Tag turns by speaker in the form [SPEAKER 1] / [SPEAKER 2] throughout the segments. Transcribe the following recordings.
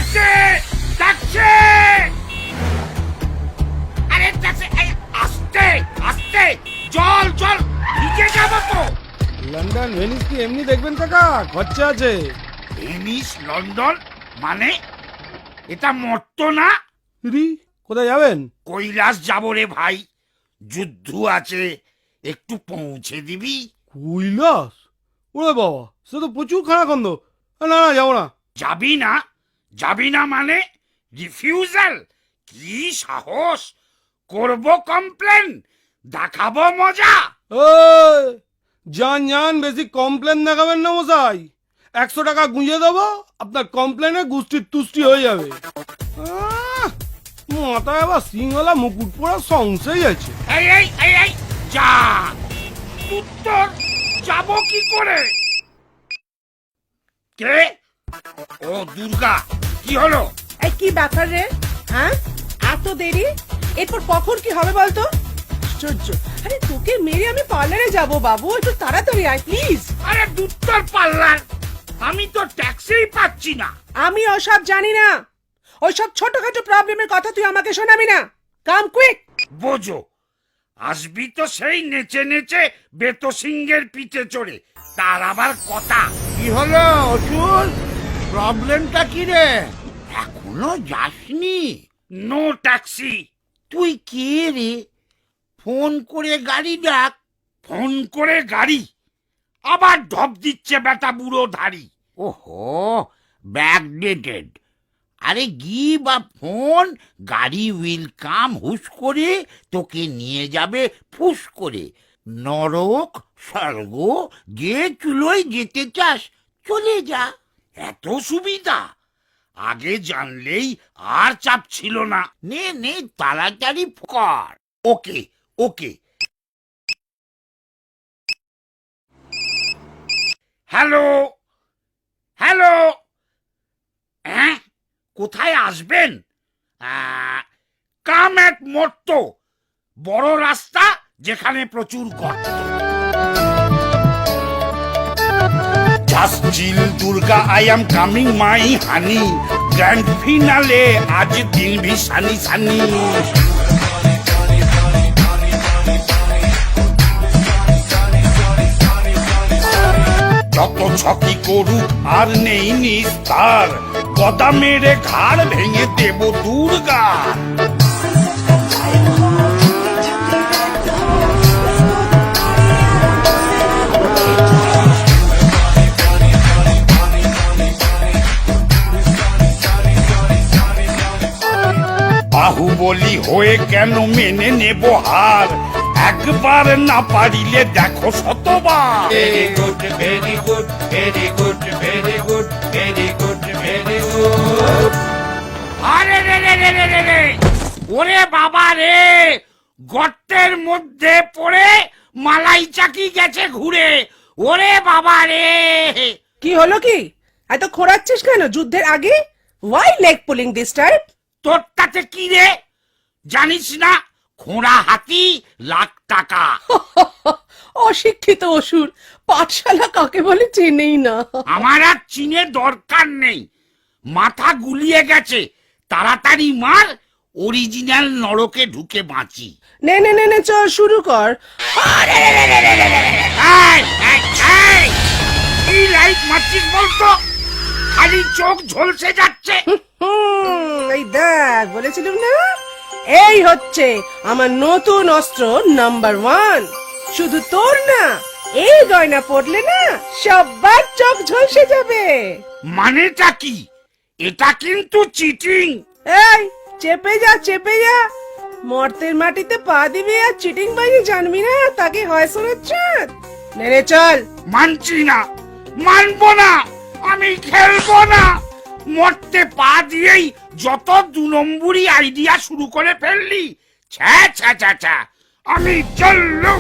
[SPEAKER 1] ডাকছে ডাকছে, আরে ডাকছে, আস্তে আস্তে, জল জল, ভিজে যাবো তো।
[SPEAKER 2] লন্ডন ভেনিস কি এমনি দেখবেন কাকা? খরচা আছে।
[SPEAKER 1] ভেনিস লন্ডন মানে? এটা মর্ত না?
[SPEAKER 2] রি কোথায় যাবেন?
[SPEAKER 1] কৈলাস যাবো রে ভাই, যুদ্ধ আছে, একটু পৌঁছে দিবি?
[SPEAKER 2] কৈলাস? ওরে বাবা, সে তো প্রচুর খানাখন্দ। না না, যাবো না।
[SPEAKER 1] যাবি না? যাবি না মানে রিফিউজাল? কি সাহস! করব কমপ্লেন, দেখাবো মজা।
[SPEAKER 2] ওই যান যান, বেশি কমপ্লেন দেখাবেন না মশাই। 100 টাকা গুঁজে দেবো, আপনার কমপ্লেনে গুষ্টির তুষ্টি হয়ে যাবে। মাথায় আবার সিংহলা মুকুট পরা সংশয় আছে।
[SPEAKER 1] এই এই এই এই যা, উত্তর যাব কি করে? কে? ও দুর্গা, কি হলো?
[SPEAKER 3] এই কি ব্যাপার রে? হ্যাঁ, এত দেরি? এরপর কখন কি হবে বলতো? আশ্চর্য! আরে তোকে মেরে আমি পার্লারে যাব বাবু, একটু তাড়াতাড়ি আয় প্লিজ।
[SPEAKER 1] আরে দুত্তর পাল্লার, আমি তো ট্যাক্সিই পাচ্ছি না।
[SPEAKER 3] আমি ওসব জানি না, ওইসব ছোটখাটো প্রবলেমের কথা তুই আমাকে শোনাবি না। Come quick.
[SPEAKER 1] বোঝো, আসবি তো সেই নেচে নেচে বেতো সিংহের পিঠে চড়ে, তার আবার কথা।
[SPEAKER 4] কি হলো অসুর? প্রবলেমটা কি রে? এখনো যাসনি?
[SPEAKER 1] No taxi.
[SPEAKER 4] তুই কে রে? ফোন করে গাড়ি ডাক।
[SPEAKER 1] ফোন করে গাড়ি? আবার ঢপ দিচ্ছে বেটা বুড়ো ধাড়ি।
[SPEAKER 4] ওহো, ব্যাকডেটেড। আরে গিভ আ ফোন, গাড়ি উইল কাম হুশ করে, তোকে নিয়ে যাবে ফুস করে। নরক স্বর্গ যে চুলোয় যেতে চাস চলে যা।
[SPEAKER 1] এত সুবিধা? আগে জানলেই আর চাপ ছিল না।
[SPEAKER 4] নে নে, তাড়াতাড়ি কর।
[SPEAKER 1] ওকে ওকে। হ্যালো হ্যালো, হ্যাঁ কোথায় আসবেন? কাম এট মর্ত, বড় রাস্তা যেখানে প্রচুর গর্ত। Just chill Durga, I am coming my honey, grand finale আজ দিন ভি সানি সানি। যত ছকি করুক আর নেই নিস্তার, গদা মেরে ঘাড় ভেঙে দেব দুর্গা। বাহুবলী হয়ে কেন মেনে নেব হার, একবার না পারিলে দেখো শতবার।
[SPEAKER 5] Very good, very good, very good, very good, very good, very good.
[SPEAKER 1] আরে রে রে রে রে রে রে, ওরে বাবা রে, গর্তের মধ্যে পড়ে মালাই চাকি গেছে ঘুরে। ওরে বাবা রে!
[SPEAKER 3] কি হলো কি? এত খোঁড়াচ্ছিস কেন যুদ্ধের আগে? Why leg pulling this time?
[SPEAKER 1] তোর তাতে কি রে? জানিস না খোঁড়া হাতি লাখ টাকা?
[SPEAKER 3] অশিক্ষিত অসুর, পাঠশালা কাকে বলে চেনেই না।
[SPEAKER 1] আমার আর চিনে দরকার নেই, মাথা গুলিয়ে গেছে। তাড়াতাড়ি মার, অরিজিনাল নরকে ঢুকে বাঁচি।
[SPEAKER 3] নে নে নে নে, চল শুরু কর।
[SPEAKER 1] এই, এই, এই, কি লাইট মারছিস বলতো? খালি চোখ ঝলসে যাচ্ছে।
[SPEAKER 3] এই দেখ, বলেছিলাম না, এই হচ্ছে আমার নতুন অস্ত্র নাম্বার 1। শুধু তোর না, এই গয়না পড়লে না সবার চোখ ঝলসে যাবে।
[SPEAKER 1] মানেটা কি? এটা কিন্তু চিটিং।
[SPEAKER 3] এই চেপে যা, চেপে যা। মর্তের মাটিতে পা দিবি আর চিটিং বাজি জানবি না, তাকে হয় শোনাচ্ছে। নে চল।
[SPEAKER 1] মানছি না, মানবো না, আমি খেলবো না। মরতে পা দিয়েই যত 2 নম্বরই আইডিয়া শুরু করে ফেললি। ছ্যা ছ্যা ছ্যা ছ্যা, আমি চললুম।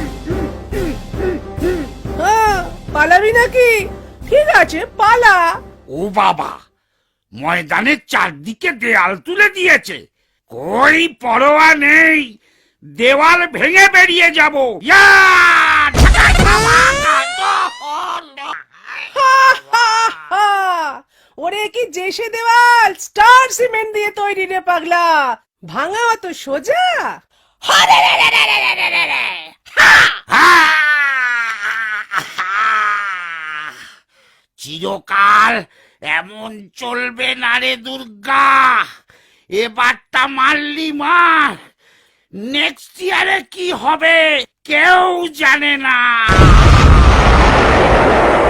[SPEAKER 3] পালাবি নাকি? ঠিক আছে, পালা।
[SPEAKER 1] ও বাবা, ময়দানের চারদিকে দেয়াল তুলে দিয়েছে। কই পরোয়া নেই, দেওয়াল ভেঙে বেরিয়ে যাব। ইয়া!
[SPEAKER 3] ওরে কি জেসে দেওয়াল স্টার সিমেন্ট দিয়ে তৈরি রে পাগলা, ভাঙা অত সোজা?
[SPEAKER 4] চিরকাল এমন চলবে না রে দুর্গা, এবারটা মারলি মার, নেক্সট ইয়ারে কি হবে কেউ জানে না।